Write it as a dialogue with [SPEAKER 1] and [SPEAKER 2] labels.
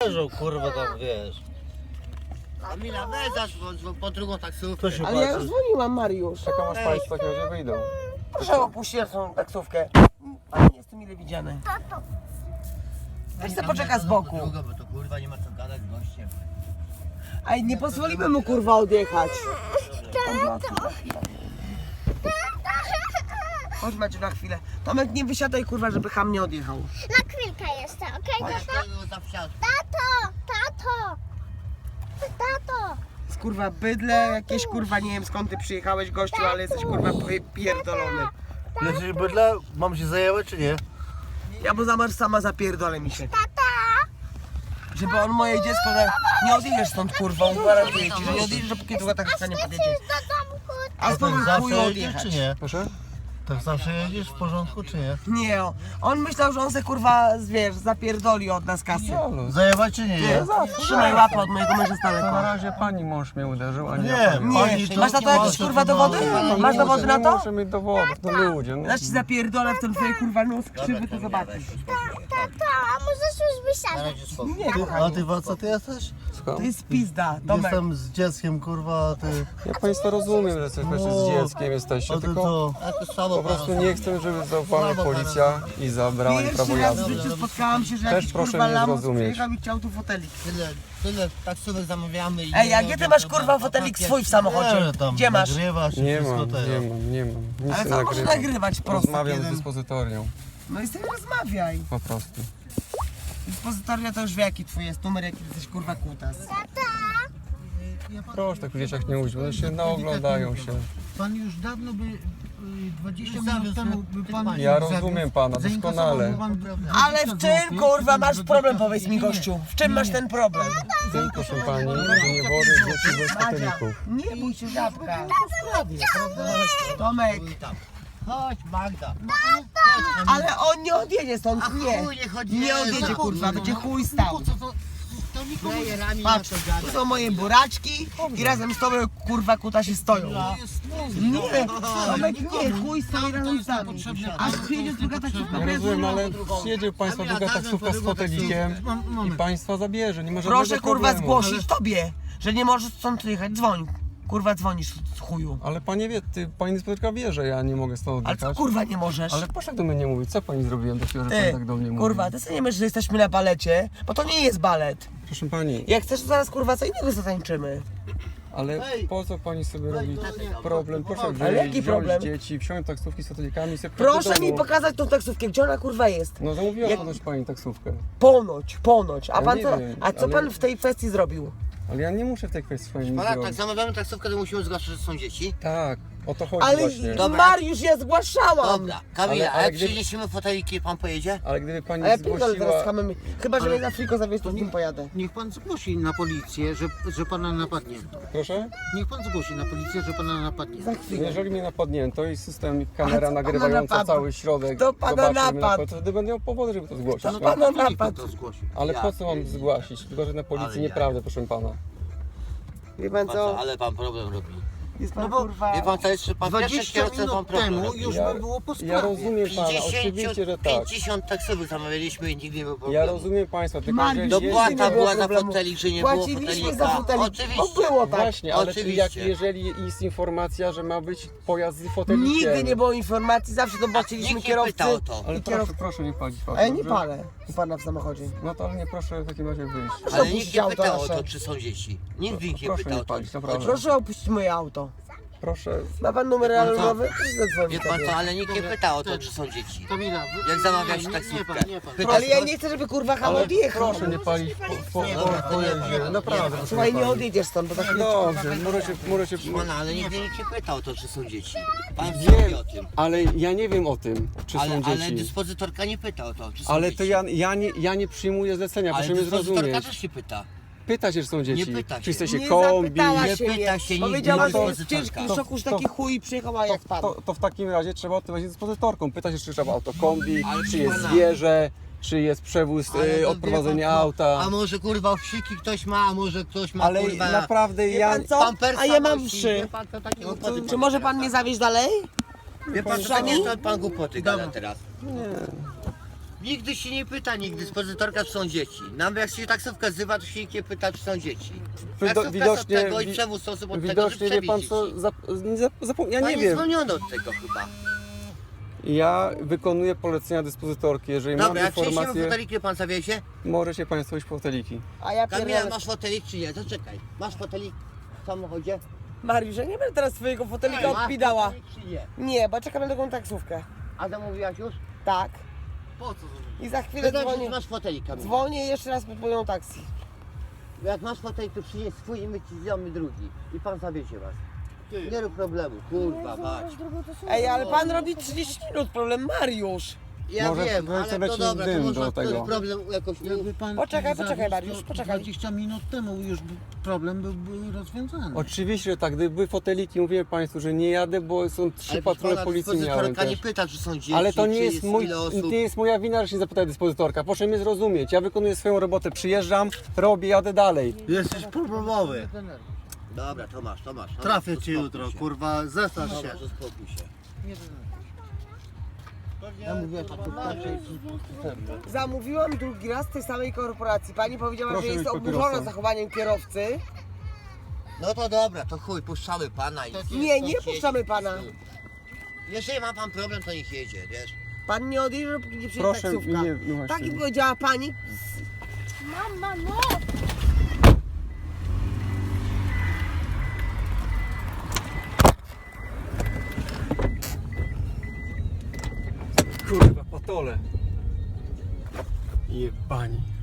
[SPEAKER 1] leżą, kurwa, tam, wiesz.
[SPEAKER 2] Kamila, weź po drugą taksówkę.
[SPEAKER 1] To się
[SPEAKER 3] Ale ja
[SPEAKER 1] patrzy.
[SPEAKER 3] już dzwoniłam, Mariusz.
[SPEAKER 4] Czekam aż państwo takiego nie wyjdą.
[SPEAKER 3] Proszę opuścić tą taksówkę. Ale nie jestem mile widziany. Weź se poczeka z boku.
[SPEAKER 2] Drugą, bo to kurwa nie ma co gadać z gościem.
[SPEAKER 3] Ej, nie pozwolimy mu kurwa odjechać. Chodź Maciu na chwilę. Tomek, nie wysiadaj kurwa, żeby ham nie odjechał.
[SPEAKER 5] Na chwilkę jeszcze, okej, tato? Tato! Tato! Tato!
[SPEAKER 3] Z kurwa bydle, jakieś kurwa, nie wiem skąd ty przyjechałeś gościu, ale jesteś kurwa pierdolony.
[SPEAKER 1] Jesteś bydle? Mam się zajęły, czy nie?
[SPEAKER 3] Ja mu zamasz sama zapierdolę mi się.
[SPEAKER 5] Tata!
[SPEAKER 3] Żeby on moje dziecko, nie odjedziesz stąd kurwa, gwarantuję ci, że nie odjedziesz, dopóki druga taksówka nie podjedzie.
[SPEAKER 5] Do domku!
[SPEAKER 3] A z tobą
[SPEAKER 1] Zawsze
[SPEAKER 3] chuj
[SPEAKER 1] jedziesz,
[SPEAKER 3] odjechać.
[SPEAKER 1] czy nie?
[SPEAKER 4] Proszę?
[SPEAKER 1] Tak zawsze jedziesz w porządku, czy nie?
[SPEAKER 3] Nie, on myślał, że on se kurwa, wiesz, zapierdoli od nas kasy.
[SPEAKER 1] Zajęła, czy nie? Nie.
[SPEAKER 3] Trzymaj łapę od mojego męża z
[SPEAKER 4] To na
[SPEAKER 3] daleka.
[SPEAKER 4] razie pani mąż mnie uderzył, a nie ja
[SPEAKER 1] Nie,
[SPEAKER 4] panią.
[SPEAKER 1] pani
[SPEAKER 3] Nie,
[SPEAKER 1] to...
[SPEAKER 3] masz na to jakieś kurwa dowody? Masz dowody na
[SPEAKER 4] Nie
[SPEAKER 3] to?
[SPEAKER 4] muszę mieć dowodów, no ludzie. No.
[SPEAKER 3] Zaś ci zapierdolę w ten twoje kurwa nos krzywy, to zobaczysz.
[SPEAKER 5] Tato, a możesz już wysiadać?
[SPEAKER 3] Nie,
[SPEAKER 1] A
[SPEAKER 3] kochanie,
[SPEAKER 1] ty Waca, ty jesteś?
[SPEAKER 3] to jest pizda, Tomek.
[SPEAKER 1] Jestem z dzieckiem, kurwa, a ty...
[SPEAKER 4] Ja państwa rozumiem, że jesteśmy z dzieckiem jesteście,
[SPEAKER 1] A ty
[SPEAKER 4] tylko
[SPEAKER 1] to...
[SPEAKER 2] A to samo
[SPEAKER 4] po prostu nie chcę, żeby złapała mnie policja i zabrała mi prawo
[SPEAKER 3] Pierwszy raz w
[SPEAKER 4] jazdy.
[SPEAKER 3] życiu spotkałam się, że
[SPEAKER 4] Też
[SPEAKER 3] jakiś
[SPEAKER 4] proszę
[SPEAKER 3] kurwa
[SPEAKER 4] mnie
[SPEAKER 3] lamus
[SPEAKER 4] zrozumieć.
[SPEAKER 3] przyjechał i chciał tu fotelik.
[SPEAKER 2] Tyle taksówek zamawiamy i...
[SPEAKER 3] Ej, a gdzie ty masz kurwa fotelik swój w samochodzie?
[SPEAKER 1] Nie, tam
[SPEAKER 3] Gdzie masz?
[SPEAKER 1] nagrywasz i
[SPEAKER 4] Nie
[SPEAKER 1] wszystko
[SPEAKER 4] mam,
[SPEAKER 1] tego.
[SPEAKER 4] nie mam. Nic
[SPEAKER 3] Ale
[SPEAKER 4] nie
[SPEAKER 3] co może
[SPEAKER 4] nagrywam.
[SPEAKER 3] nagrywać prosto
[SPEAKER 4] Rozmawiam z
[SPEAKER 3] jeden?
[SPEAKER 4] dyspozytorią,
[SPEAKER 3] No i sobie rozmawiaj.
[SPEAKER 4] po prostu.
[SPEAKER 3] Dyspozytoria to już wie jaki twój jest numer, jaki jesteś kurwa kutas.
[SPEAKER 4] Proszę tak w dzieciach nie mówić, bo one się naoglądają się.
[SPEAKER 6] Pan już dawno by 20 minut temu by pan...
[SPEAKER 4] Ja rozumiem pana doskonale.
[SPEAKER 3] Ale w czym kurwa masz problem, powiedz mi gościu? W czym masz ten problem?
[SPEAKER 4] Tym, proszę pani, że nie wożę dzieci bez fotelików.
[SPEAKER 3] Nie bój się żabka. Tomek,
[SPEAKER 2] Chodź Magda.
[SPEAKER 3] ale on nie odjedzie stąd, nie.
[SPEAKER 2] Chuj, nie chodzi.
[SPEAKER 3] Nie odjedzie kurwa, będzie chuj stał.
[SPEAKER 6] To nikomu
[SPEAKER 2] Frajerami
[SPEAKER 3] Patrz, tu są moje buraczki i razem z tobą kurwa kuta się stoją. Nie, Tomek nie, chuj stoi razem z nami. Aż przyjedzie druga taksówka.
[SPEAKER 4] Ja rozumiem, ale przyjedzie państwa druga taksówka z fotelikiem i państwa zabierze, nie ma żadnego
[SPEAKER 3] Proszę kurwa
[SPEAKER 4] problemu.
[SPEAKER 3] zgłosić tobie, że nie możesz stąd jechać, dzwoń. Kurwa dzwonisz z chuju.
[SPEAKER 4] Ale panie wie, pani dyspozytorka wie, że ja nie mogę stąd
[SPEAKER 3] Ale co
[SPEAKER 4] odjechać.
[SPEAKER 3] kurwa nie możesz?
[SPEAKER 4] Ale proszę do mnie nie mówić, co pani zrobiłem takiego, że pani
[SPEAKER 3] Ty,
[SPEAKER 4] tak do mnie mówi?
[SPEAKER 3] kurwa, ty sobie nie myślisz, że jesteśmy na balecie, bo to nie jest balet.
[SPEAKER 4] Proszę pani,
[SPEAKER 3] Jak chcesz, to zaraz kurwa co innego zatańczymy.
[SPEAKER 4] ale po co pani sobie robi problem? Proszę
[SPEAKER 3] Ale jaki
[SPEAKER 4] wziąć
[SPEAKER 3] problem?
[SPEAKER 4] dzieci, wsiąść taksówki z fotelikami i sobie
[SPEAKER 3] Proszę
[SPEAKER 4] do domu.
[SPEAKER 3] mi pokazać tą taksówkę, gdzie ona kurwa jest.
[SPEAKER 4] No zamówiła
[SPEAKER 3] Jak-
[SPEAKER 4] ponoć pani taksówkę.
[SPEAKER 3] Ponoć. A
[SPEAKER 4] Ja
[SPEAKER 3] pan
[SPEAKER 4] nie
[SPEAKER 3] co?
[SPEAKER 4] wiem,
[SPEAKER 3] A co
[SPEAKER 4] ale-
[SPEAKER 3] pan w tej kwestii zrobił?
[SPEAKER 4] Ale ja nie muszę w tej kwestii swojej nic
[SPEAKER 2] Pana, tak
[SPEAKER 4] zrobić.
[SPEAKER 2] zamawiamy taksówkę, to musimy zgłaszać, że są dzieci.
[SPEAKER 4] Tak, o to chodzi
[SPEAKER 3] Ale
[SPEAKER 4] właśnie.
[SPEAKER 2] Dobra.
[SPEAKER 3] Mariusz, ja zgłaszałam.
[SPEAKER 2] Dobra, Kamila,
[SPEAKER 4] Ale-
[SPEAKER 2] a
[SPEAKER 4] ale
[SPEAKER 2] jak
[SPEAKER 4] gdy-
[SPEAKER 2] przyniesiemy foteliki, pan pojedzie?
[SPEAKER 4] Ale gdyby pani
[SPEAKER 3] A ja pierdolę teraz z
[SPEAKER 4] zgłosiła...
[SPEAKER 3] hamem. Chyba, że mnie na friko zawieźć, to z nim pojadę.
[SPEAKER 6] Niech pan zgłosi na policję, że pana napadnie.
[SPEAKER 4] Proszę?
[SPEAKER 6] Niech pan zgłosi na policję, że pana napadnie.
[SPEAKER 3] Za chwilę.
[SPEAKER 4] Jeżeli mnie napadnięto i system
[SPEAKER 3] A
[SPEAKER 4] kamera
[SPEAKER 3] co pana
[SPEAKER 4] nagrywająca
[SPEAKER 3] napadł?
[SPEAKER 4] cały środek
[SPEAKER 3] Kto pana
[SPEAKER 4] zobaczy mnie
[SPEAKER 3] napadł?
[SPEAKER 4] to wtedy będę miał powody, żeby to zgłosić.
[SPEAKER 3] To
[SPEAKER 4] No.
[SPEAKER 3] pana
[SPEAKER 6] Niech pan
[SPEAKER 3] napadł.
[SPEAKER 6] to zgłosi.
[SPEAKER 4] Ale
[SPEAKER 2] Ja
[SPEAKER 4] po co mam
[SPEAKER 2] pierdolę.
[SPEAKER 4] zgłosić? Tylko, że na policji
[SPEAKER 2] Ale
[SPEAKER 4] nieprawdę, proszę pana.
[SPEAKER 3] Wie pan co?
[SPEAKER 2] Ale pan problem robi.
[SPEAKER 3] Jest pan
[SPEAKER 6] No bo-
[SPEAKER 3] kurwa...
[SPEAKER 2] Wie pan co jest, że pan pierwszy
[SPEAKER 6] 20
[SPEAKER 2] kierowca pan
[SPEAKER 6] minut
[SPEAKER 2] problem
[SPEAKER 6] temu
[SPEAKER 2] robi.
[SPEAKER 6] już
[SPEAKER 4] Ja-
[SPEAKER 6] by było po sprawie.
[SPEAKER 4] Ja rozumiem pana, oczywiście, że tak.
[SPEAKER 2] 50 taksówek zamawialiśmy i nigdy nie było
[SPEAKER 4] Ja
[SPEAKER 2] problemu.
[SPEAKER 4] rozumiem państwa, tylko
[SPEAKER 3] Mariusz,
[SPEAKER 4] że
[SPEAKER 3] Dopłata
[SPEAKER 4] jeśli...
[SPEAKER 3] nie było
[SPEAKER 2] była za
[SPEAKER 3] problemu.
[SPEAKER 2] fotelik, że nie było
[SPEAKER 3] Płaciliśmy
[SPEAKER 2] fotelika.
[SPEAKER 3] za fotelik.
[SPEAKER 2] Oczywiście.
[SPEAKER 3] To było tak.
[SPEAKER 4] Właśnie, ale
[SPEAKER 2] Oczywiście.
[SPEAKER 4] jeżeli jest informacja, że ma być pojazd z fotelikiem...
[SPEAKER 3] Nigdy nie było informacji, zawsze to płaciliśmy
[SPEAKER 2] Nikt nie
[SPEAKER 3] kierowcy.
[SPEAKER 2] pytał o to.
[SPEAKER 4] Ale
[SPEAKER 3] i
[SPEAKER 4] proszę,
[SPEAKER 3] kierowcy.
[SPEAKER 4] proszę nie palić
[SPEAKER 3] A ja nie
[SPEAKER 4] dobrze?
[SPEAKER 3] palę u pana w samochodzie.
[SPEAKER 4] No to ale nie proszę w takim razie wyjść.
[SPEAKER 3] Proszę
[SPEAKER 2] Ale
[SPEAKER 3] opuścić
[SPEAKER 2] nikt nie
[SPEAKER 3] auto
[SPEAKER 2] pytał o
[SPEAKER 3] nasze.
[SPEAKER 2] to, czy są dzieci. Nikt nikt nie
[SPEAKER 4] Proszę
[SPEAKER 2] pytał
[SPEAKER 4] nie
[SPEAKER 2] o to.
[SPEAKER 4] palić, naprawdę.
[SPEAKER 3] Proszę opuścić moje auto.
[SPEAKER 4] Proszę...
[SPEAKER 3] Ma pan numer
[SPEAKER 2] pan co?
[SPEAKER 3] alarmowy? Proszę
[SPEAKER 2] Wie
[SPEAKER 3] zadzwonić
[SPEAKER 2] pan
[SPEAKER 3] sobie.
[SPEAKER 2] co, ale nikt nie pytał o to, czy są dzieci.
[SPEAKER 6] Kamila,
[SPEAKER 2] Jak zamawiać
[SPEAKER 6] nie,
[SPEAKER 2] taksówkę?
[SPEAKER 6] nie pan.
[SPEAKER 2] Pyta-
[SPEAKER 3] Ale ja nie chcę, żeby kurwa ham
[SPEAKER 4] Ale
[SPEAKER 3] odjechał.
[SPEAKER 4] proszę nie palić po jeździe. Naprawdę, proszę
[SPEAKER 3] Słuchaj, nie
[SPEAKER 4] palić.
[SPEAKER 3] odjedziesz stąd, bo za chwilę...
[SPEAKER 4] Dobrze, może się...
[SPEAKER 2] Pana, ale nigdy nikt nie pytał o to, czy są dzieci. Pan
[SPEAKER 4] Wiem,
[SPEAKER 2] wie o tym.
[SPEAKER 4] ale ja nie wiem o tym, czy są
[SPEAKER 2] Ale
[SPEAKER 4] dzieci.
[SPEAKER 2] dyspozytorka nie pyta o to, czy są
[SPEAKER 4] Ale
[SPEAKER 2] dzieci.
[SPEAKER 4] to ja nie przyjmuję zlecenia,
[SPEAKER 2] Ale
[SPEAKER 4] proszę mnie
[SPEAKER 2] dyspozytorka
[SPEAKER 4] zrozumieć.
[SPEAKER 2] też się pyta.
[SPEAKER 4] Pyta się, czy są dzieci.
[SPEAKER 2] pyta się.
[SPEAKER 4] Czy jesteście
[SPEAKER 3] Nie
[SPEAKER 4] kombi.
[SPEAKER 3] zapytała
[SPEAKER 2] nie
[SPEAKER 3] się
[SPEAKER 2] pyta
[SPEAKER 3] mnie.
[SPEAKER 2] się nigdy
[SPEAKER 3] Powiedziała, że jest w
[SPEAKER 2] dyspozytorka.
[SPEAKER 3] ciężkim szoku, że taki chuj i przyjechała jak pan.
[SPEAKER 4] To w takim razie trzeba odpowiedzieć z dyspozytorką. Pyta się, czy trzeba auto kombi,
[SPEAKER 2] Ale
[SPEAKER 4] czy jest
[SPEAKER 2] pana-
[SPEAKER 4] zwierzę, czy jest przewóz,
[SPEAKER 2] Ale to
[SPEAKER 4] odprowadzenie
[SPEAKER 2] wie pan co,
[SPEAKER 4] auta.
[SPEAKER 2] A może kurwa wsiki ktoś ma, a może ktoś ma
[SPEAKER 4] Ale
[SPEAKER 2] kurwa...
[SPEAKER 4] naprawdę
[SPEAKER 3] Wie
[SPEAKER 4] ja...
[SPEAKER 3] pan co?
[SPEAKER 2] pampersa
[SPEAKER 3] A ja mam
[SPEAKER 2] nosi.
[SPEAKER 3] wszy.
[SPEAKER 2] Wie pan co, takie głupoty
[SPEAKER 3] Czy może pan mnie zawieźć dalej?
[SPEAKER 2] Wie pan co, takie to pan głupoty gada teraz. Nigdy się nie pyta, nigdy dyspozytorka, czy są dzieci. Nam jak się taksówka wzywa, to się nikt nie pyta, czy są dzieci. Taksówka jest od tego i przewóz w sposób od tego, żeby
[SPEAKER 4] Widocznie wie pan
[SPEAKER 2] przewieźć
[SPEAKER 4] co,
[SPEAKER 2] dzieci.
[SPEAKER 4] ja nie
[SPEAKER 2] Pani
[SPEAKER 4] wiem.
[SPEAKER 2] zwolniono od tego chyba.
[SPEAKER 4] Ja wykonuję polecenia dyspozytorki, jeżeli
[SPEAKER 2] Dobra,
[SPEAKER 4] mam
[SPEAKER 2] jak przyjedziemy
[SPEAKER 4] informację,
[SPEAKER 2] fotelik, pan zawiezie?
[SPEAKER 4] możecie państwo iść po foteliki.
[SPEAKER 3] A ja
[SPEAKER 2] Kamila,
[SPEAKER 3] pierdolę.
[SPEAKER 2] masz fotelik czy nie? Zaczekaj. Masz fotelik w samochodzie?
[SPEAKER 3] Mariusz, ja nie będę teraz twojego fotelika
[SPEAKER 2] Masz
[SPEAKER 3] odpidała.
[SPEAKER 2] fotelik czy nie?
[SPEAKER 3] Nie, bo czekam na taką taksówkę.
[SPEAKER 2] A zamówiłaś już?
[SPEAKER 3] Tak.
[SPEAKER 2] Po co zamówiłaś?
[SPEAKER 3] I za chwilę
[SPEAKER 2] Wydaje, że
[SPEAKER 3] dzwonię.
[SPEAKER 2] masz fotelik, Kamila.
[SPEAKER 3] Dzwonię jeszcze raz pod moją taksji.
[SPEAKER 2] Jak masz fotelik, to przynieś swój i my ci zjemy drugi. I pan zawiezie was. Nie rób problemu, kurwa, patrz.
[SPEAKER 3] Ej, ale pan robi 30 minut, problem Mariusz.
[SPEAKER 2] Ja
[SPEAKER 4] Może
[SPEAKER 2] wiem,
[SPEAKER 4] weź
[SPEAKER 2] ale
[SPEAKER 4] sobie
[SPEAKER 2] to
[SPEAKER 4] jakiś
[SPEAKER 2] dobra, to
[SPEAKER 4] dym
[SPEAKER 2] można
[SPEAKER 4] do tego.
[SPEAKER 2] ten problem jakoś...
[SPEAKER 6] Jakby pan
[SPEAKER 3] Poczekaj,
[SPEAKER 6] zawiózł,
[SPEAKER 3] poczekaj, Mariusz,
[SPEAKER 6] to
[SPEAKER 3] poczekaj.
[SPEAKER 6] 20 minut temu już problem byłby rozwiązany.
[SPEAKER 4] Oczywiście, że tak, gdyby były foteliki, mówiłem państwu, że nie jadę, bo są 3
[SPEAKER 2] Ale
[SPEAKER 4] patrole
[SPEAKER 2] pana
[SPEAKER 4] policji miałem
[SPEAKER 2] dyspozytorka nie
[SPEAKER 4] też.
[SPEAKER 2] pyta, czy są dzieci,
[SPEAKER 4] Ale to nie
[SPEAKER 2] czy
[SPEAKER 4] jest, mój,
[SPEAKER 2] ile osób.
[SPEAKER 4] nie jest moja wina, że się zapyta dyspozytorka. Proszę mnie zrozumieć. Ja wykonuję swoją robotę, przyjeżdżam, robię, jadę dalej.
[SPEAKER 1] Jesteś problemowy.
[SPEAKER 2] Dobra, to masz.
[SPEAKER 1] Trafię
[SPEAKER 2] To
[SPEAKER 1] cię
[SPEAKER 2] spokój
[SPEAKER 1] jutro,
[SPEAKER 2] się.
[SPEAKER 1] kurwa, zestaw się.
[SPEAKER 2] Dobra, to spokój się.
[SPEAKER 1] Ja mówię,
[SPEAKER 3] Zamówiłam drugi raz tej samej korporacji. Pani powiedziała,
[SPEAKER 4] Proszę
[SPEAKER 3] że jest
[SPEAKER 4] być
[SPEAKER 3] oburzona
[SPEAKER 4] papierosem.
[SPEAKER 3] zachowaniem kierowcy.
[SPEAKER 2] No to dobra, to chuj, puszczamy pana i...
[SPEAKER 3] Nie, nie puszczamy pana.
[SPEAKER 2] Jeżeli ma pan problem, to niech jedzie, wiesz?
[SPEAKER 3] Pan nie odjeżdża, póki nie przyjedzie
[SPEAKER 4] Proszę,
[SPEAKER 3] taksówka.
[SPEAKER 4] nie, no właśnie.
[SPEAKER 3] Tak jak powiedziała pani.
[SPEAKER 5] Mama, no!
[SPEAKER 4] Kurwa, patole. Jebani.